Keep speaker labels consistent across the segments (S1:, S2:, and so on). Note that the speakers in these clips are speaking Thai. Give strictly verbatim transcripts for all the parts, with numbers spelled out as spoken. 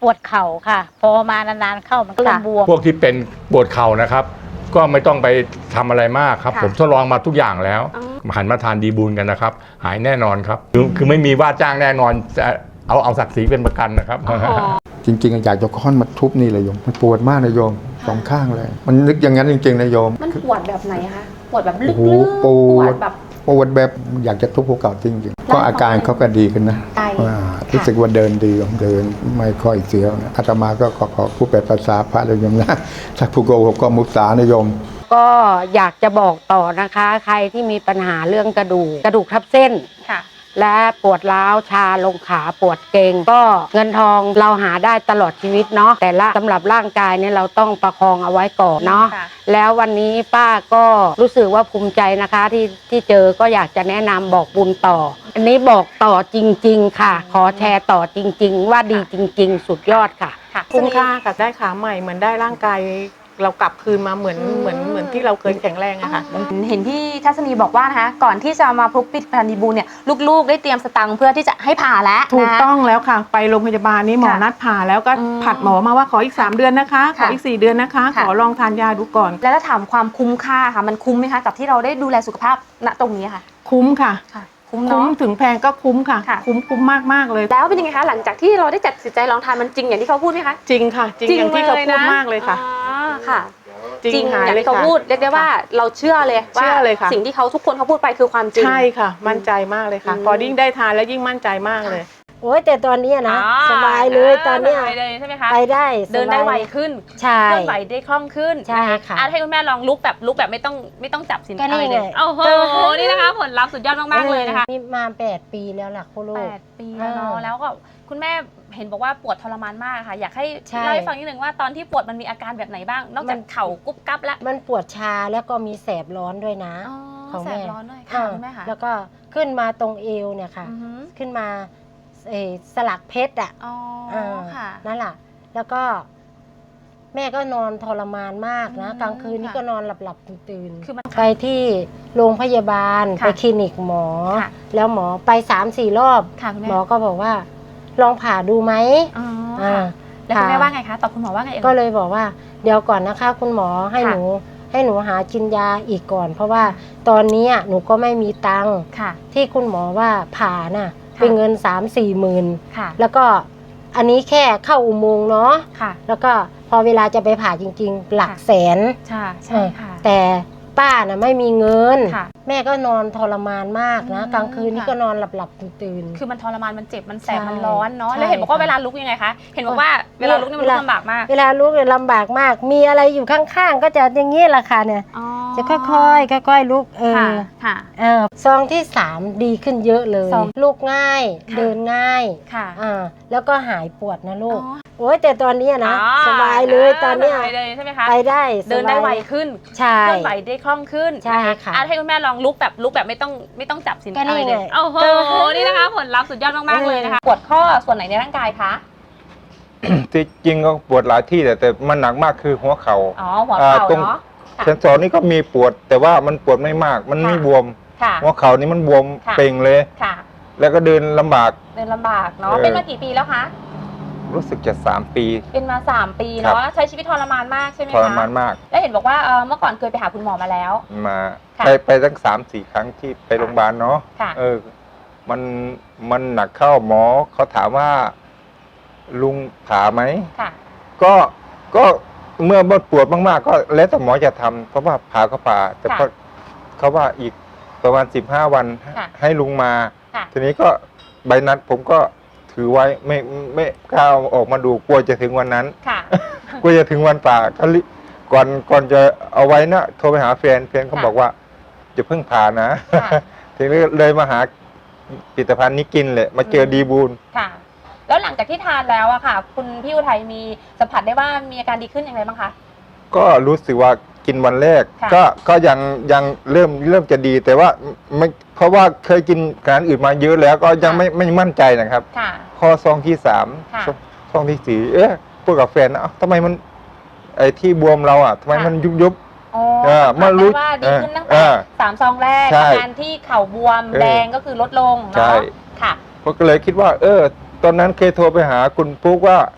S1: วดเข่าค่ะพอมานานๆเข้ามันก็เริ่มบวม
S2: พวกที่เป็นปวดเข่านะครับก็ไม่ต้องไปทำอะไรมากครับผมทดลองมาทุกอย่างแล้วหันมาทานดีบูลกันนะครับหายแน่นอนครับคือคือไม่มีว่าจ้างแน่นอนจะเอาเอาศักดิ์ศรีเป็นประกันนะครับ
S3: จริงๆอยากจะค้อนมาทุบนี่เลยโยมมันปวดมากนะโยมสองข้างเลยมันนึกอย่างนั้นจริงๆนะโยม
S4: มันปวดแบบไหนคะปวดแบบลึกๆ
S3: ปวด
S4: แบบ
S3: ปวดแบบอยากจะทุบหัวเข่าจริงๆก็อาการเขาก็ดีขึ้นนะรู้สึกว่าเดินดีเดินไม่ค่อยเสียวนะอาตมาก็ขอขอผู้แปลภาษาพระเลยโยมนะถ้าผู้โกหกก็มุสานะโยม
S5: ก็อยากจะบอกต่อนะคะใครที่มีปัญหาเรื่องกระดูกกระดูกทับเส้นและปวดร้าวชาลงขาปวดเกร็งก็เงินทองเราหาได้ตลอดชีวิตเนาะแต่ละสำหรับร่างกายเนี่ยเราต้องประคองเอาไว้ก่อนเนาะแล้ววันนี้ป้าก็รู้สึกว่าภูมิใจนะคะที่ที่เจอก็อยากจะแนะนำบอกบุญต่ออันนี้บอกต่อจริงๆค่ะขอแชร์ต่อจริงๆว่าดีจริงๆสุดยอดค่ะ
S6: คุ้มค่ากับได้ขาใหม่เหมือนได้ร่างกายเรากลับคืนมาเหมือนเหมือนเหมือนที่เราเคยแข็งแรงอะค่ะ
S4: เห็นพี่ทัศนีบอกว่านะคะก่อนที่จะมาพบปิดพันธีบูลเนี่ยลูกๆได้เตรียมสตังค์เพื่อที่จะให้ผ่าแล้ว
S6: ถูกต้องแล้วค่ะไปโรงพยาบาลนี้หมอนัดผ่าแล้วก็ผัดหมอมาว่าขออีกสามเดือนนะคะขออีกสี่เดือนนะคะขอลองทานยาดูก่อน
S4: แล้วถ้าถามความคุ้มค่าค่ะมันคุ้มไหมคะกับที่เราได้ดูแลสุขภาพณตรงนี้ค่ะ
S6: คุ้มค่ะ
S4: คุ้ม
S6: เนาะถึงแพงก็คุ้มค่ะคุ้มคุ้มมากมากเลย
S4: แล้วเป็นยังไงคะหลังจากที่เราได้จัดสินใจลองทานมันจริงอย่างที่เขาพูดไหมคะ
S6: จริงค่ะจริงอย่างที่เขาพูดมากเลยค่ะ
S4: ค่ะจริงอย่างที่เขาพูดเรียกได้ว่าเราเชื่อเลยว่าสิ่งที่เขาทุกคนเขาพูดไปคือความจริง
S6: ใช่ค่ะมั่นใจมากเลยค่ะพอยิ่งได้ทานแล้วยิ่งมั่นใจมากเลย
S5: โอ้ยแต่ตอนนี้นะสบายเลยตอนนี้
S7: ใช่ไหมคะ
S5: ไปได้
S7: เดินได้ไวขึ้น
S5: ใช่
S7: เคลื่อนไหวได้คล่องขึ้น
S5: ใช่ค่ะ
S7: ให้คุณแม่ลองลุกแบบลุกแบบไม่ต้องไม่ต้องจับสิน
S5: อะไร
S7: เลยโอ้โหนี่นะคะผลลัพธ์สุดยอดมากๆเลยนะคะ
S5: นี่มาแปดปีแล้วล่ะคุณลูก
S7: แปดปีแล้วเนาะแล้วก็คุณแม่เห็นบอกว่าปวดทรมานมากค่ะอยากให้เล่าให้ฟังนิดนึงว่าตอนที่ปวดมันมีอาการแบบไหนบ้างนอกจากเข่ากุ๊บกั๊บแล้ว
S5: มันปวดชาแล้วก็มีแสบร้อนด้วยนะ
S7: ของแสบร้อนด้วยค่ะคุณแม่ค่ะ
S5: แล้วก็ขึ้นมาตรงเอวเนี่ยค่ะขึ้นมาสลักเพชรอ่ะนั่นแหละแล้วก็แม่ก็นอนทรมานมากนะกลางคืนนี่ก็นอนหลับหลับตื่นไปที่โรงพยาบาลไปคลินิกหมอแล้วหมอไปสามสี่รอบหมอก็บอกว่าลองผ่าดูไหม
S7: แล้วคุณแม่ว่าไงคะตอบคุณหมอว่าไง
S5: ก็เลยบอกว่าเดี๋ยวก่อนนะคะคุณหมอให้หนูให้หนูหากินยาอีกก่อนเพราะว่าตอนนี้หนูก็ไม่มีตังค์ที่คุณหมอว่าผ่าน่ะเป็นเงินสามสี่หมื่นแล้วก็อันนี้แค่เข้าอุโมงค์เนาะแล้วก็พอเวลาจะไปผ่าจริงๆหลักแสน
S7: ใช่ใช่ค่ะ
S5: แต่ป้าน่ะไม่มีเงินแม่ก็นอนทรมานมากนะกลางคืนนี่ก็นอนหลับหลับตื่น
S7: คือมันทรมานมันเจ็บมันแสบมันร้อนเนาะแล้วเห็นบอกว่าเวลาลุกยังไงคะเห็นบอกว่าเวลาลุกนี่มันลำบากมาก
S5: เวลาลุกเนี่ยลำบากมากมีอะไรอยู่ข้างๆก็จะอย่างนี้แหละค่ะเนี่ยจะค่อยๆค่อยๆลุกเออเออซองที่สามดีขึ้นเยอะเลยลุกง่ายเดินง่ายอ่าแล้วก็หายปวดนะลูกโอ้ยแต่ตอนนี้นะสบายเลยตอนนี้
S7: ใช่ไหมคะ
S5: ไปได้
S7: เดินได้ไวขึ้น
S5: ใช่
S7: เคลื่อนไหวได้คล่องขึ้น
S5: ใช่ค่ะ
S7: ให้คุณแม่ลองลุกแบบลุกแบบไม่ต้องไม่ต้องจับสินอะไรเลยโอ้โหนี่นะคะผลลัพธ์สุดยอดมากๆเลยนะคะปวดข้อส่วนไหนในร่างกายคะ
S8: ที่จริงก็ปวดหลายที่แต่แต่มันหนักมากคือหัวเข่า
S7: อ๋อหัวเข่าเนาะ
S8: เซนสอนนี่ก็มีปวดแต่ว่ามันปวดไม่มากมันไม่บวมหัวเข่านี่มันบวมเป่งเลยแล้วก็เดินลำบาก
S7: เดินลำบากเนาะเป็นมากี่ปีแล้วคะ
S8: รู้สึกจะสามปี
S7: เป็นมาสามปีเนาะใช้ชีวิตทรมานมากใช่ไหมคะ
S8: ทรมานมาก
S7: แล้วเห็นบอกว่าเมื่อก่อนเคยไปหาคุณหมอมาแล้ว
S8: มาไปไปตั้งสามสี่ครั้งที่ไปโรงพยาบาลเนาะเออมันมันหนักเข้าหมอเขาถามว่าลุงผ่าไหมก็ก็เมื่อปวดมากๆก็แล้วแต่หมอจะทำเพราะว่าผ่าก็ผ่าแต่ก็เขาว่าอีกประมาณสิบห้าวันให้ลุงมาทีนี้ก็ใบนัดผมก็ถือไว้ไม่ไม่กล้าออกมาดูกลัวจะถึงวันนั้นกลัวจะถึงวันป่าก็ก่อนก่อนจะเอาไว้นะโทรไปหาแฟนแฟนเขาบอกว่าจะเพิ่งผ่านะทีนี้เลยมาหาผลิตภัณฑ์นี้กินเลยมาเจอดีบูล
S7: ค่ะแล้วหลังจากที่ทานแล้วอะค่ะคุณพี่อุทัยมีสัมผัสได้ว่ามีอาการดีขึ้นอย่างไรบ้างคะ
S8: ก็รู้สึกว่ากินวันแรกก็ก็ยังยังเริ่มเริ่มจะดีแต่ว่าไม่เพราะว่าเคยกินอาหารอื่นมาเยอะแล้วก็ยังไม่ไม่มั่นใจนะครับข้อซองที่สามซองที่สี่เอ๊ะพูดกับแฟนนะทำไมมันไอ้ที่บวมเราอ่ะทำไมมันยุบยุบ
S7: อ๋อมารู้ว่าดีขึ้นตั้งแต่สามซองแรกอาการที่เข่าบวมแดงก็คือลดลงเนาะค่ะ
S8: ก็เลยคิดว่าเออตอนนั้นเคยโทรไปหาคุณปุ๊กว่า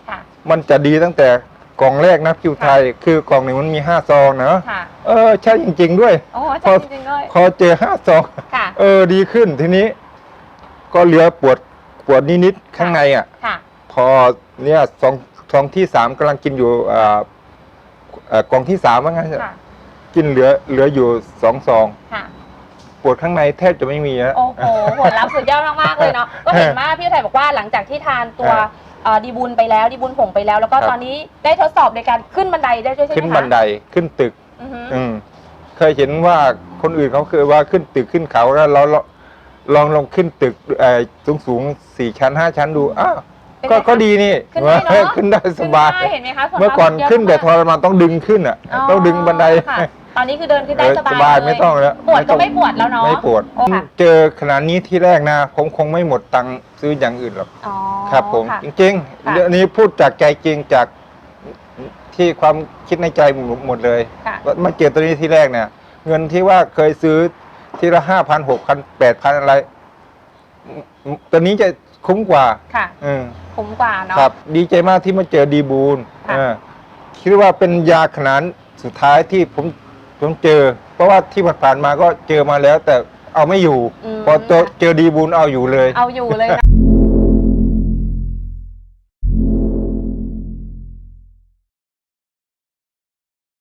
S8: มันจะดีตั้งแต่กล่องแรกนะคิวไทย คือกล่องหนึ่งมันมีห้าซองนะ
S7: ค่ะ
S8: เออใช่จริง ๆ ด้วย
S7: โอ้ใช่จริงๆด้วย
S8: พอเจอห้าซอง
S7: ค่ะ
S8: เออดีขึ้นทีนี้ ก็เหลือปวดปวดนิดๆข้างในอ่ะ
S7: ค่ะ
S8: พอเนี่ยซองซองที่สามกำลังกินอยู่อ่าเอ่อกล่องที่สามว่างั้น
S7: ค่ะ
S8: กินเหลือเหลืออยู่สองซอง
S7: ค่ะ
S8: ปวดข้างในแทบจะไม่มีนะ
S7: โอ้โหผลลัพธ์สุดยอดมากๆเลยเนาะ ก็เห็นว่าพี่ไทยบอกว่าหลังจากที่ทานตัว
S8: เออ
S7: เอ่อดีบุญไปแล้วดีบุญผงไปแล้ว แล้วก็
S8: ครับ
S7: ตอนนี้ได้ทดสอบในการขึ้นบันไดได้ด้วยใช่ไหมคะ
S8: ขึ้นบันไดขึ้นตึก
S7: อือฮึ
S8: อืมเคยเห็นว่าคนอื่นเขาเคยว่าขึ้นตึกขึ้นเขาแล้วเราเราลองลองขึ้นตึกสูงสูงๆสี่ชั้นห้าชั้นดูอ้าว
S7: เป็นไง
S8: ก็
S7: คะ
S8: ก็ดีนี่
S7: ขึ้นได้เนอะ
S8: ขึ้นได้สบาย
S7: ขึ้นได้เห็นไหมคะส่ว
S8: เมื่อก่อน
S7: มาก
S8: ขึ้นแต่
S7: เย
S8: ท
S7: อะ
S8: รมานต้องดึงขึ้นอ่ะ
S7: อ๋อ
S8: ต้องดึงบันได
S7: ค่ะตอนนี้คือเดินขึ้นได้
S8: เออ
S7: สบาย
S8: สบาย
S7: เล
S8: ไม่ต้องแล้ว
S7: ปวด
S8: ไม่ต้
S7: ก็
S8: อง
S7: ไม่ปวดแล้วเนาะ
S8: ไม่ปวด
S7: โอ้ค่ะ
S8: เจอขนาดนี้ที่แรกนะผมคงไม่หมดตังค์ซื้ออย่างอื่นหรอก
S7: อ๋อ
S8: ครับผม
S7: ค่ะ
S8: จริง
S7: ค่ะ
S8: ๆเรื่องนี้พูดจากใจจริงจากที่ความคิดในใจหมดเลย
S7: ค่ะ
S8: ว่ามาเจอตัวนี้ที่แรกเนี่ย เงินที่ว่าเคยซื้อทีละห้าพันหกพันแปดพันอะไรอืมตัวนี้จะคุ้มกว่า
S7: ค่ะ
S8: อืม
S7: คุ้มกว่าเนาะ
S8: ครับ ดีใจมากที่มาเจอดีบูล
S7: ค่ะ
S8: เออคิดว่าเป็นยาขนาดสุดท้ายที่ผมผมเจอ เพราะว่าที่ผ่านๆมาก็เจอมาแล้ว แต่เอาไม่อยู่
S7: ม
S8: พอเจอเจอดีบูลเอาอยู่เลย
S7: เอาอยู่เลยนะ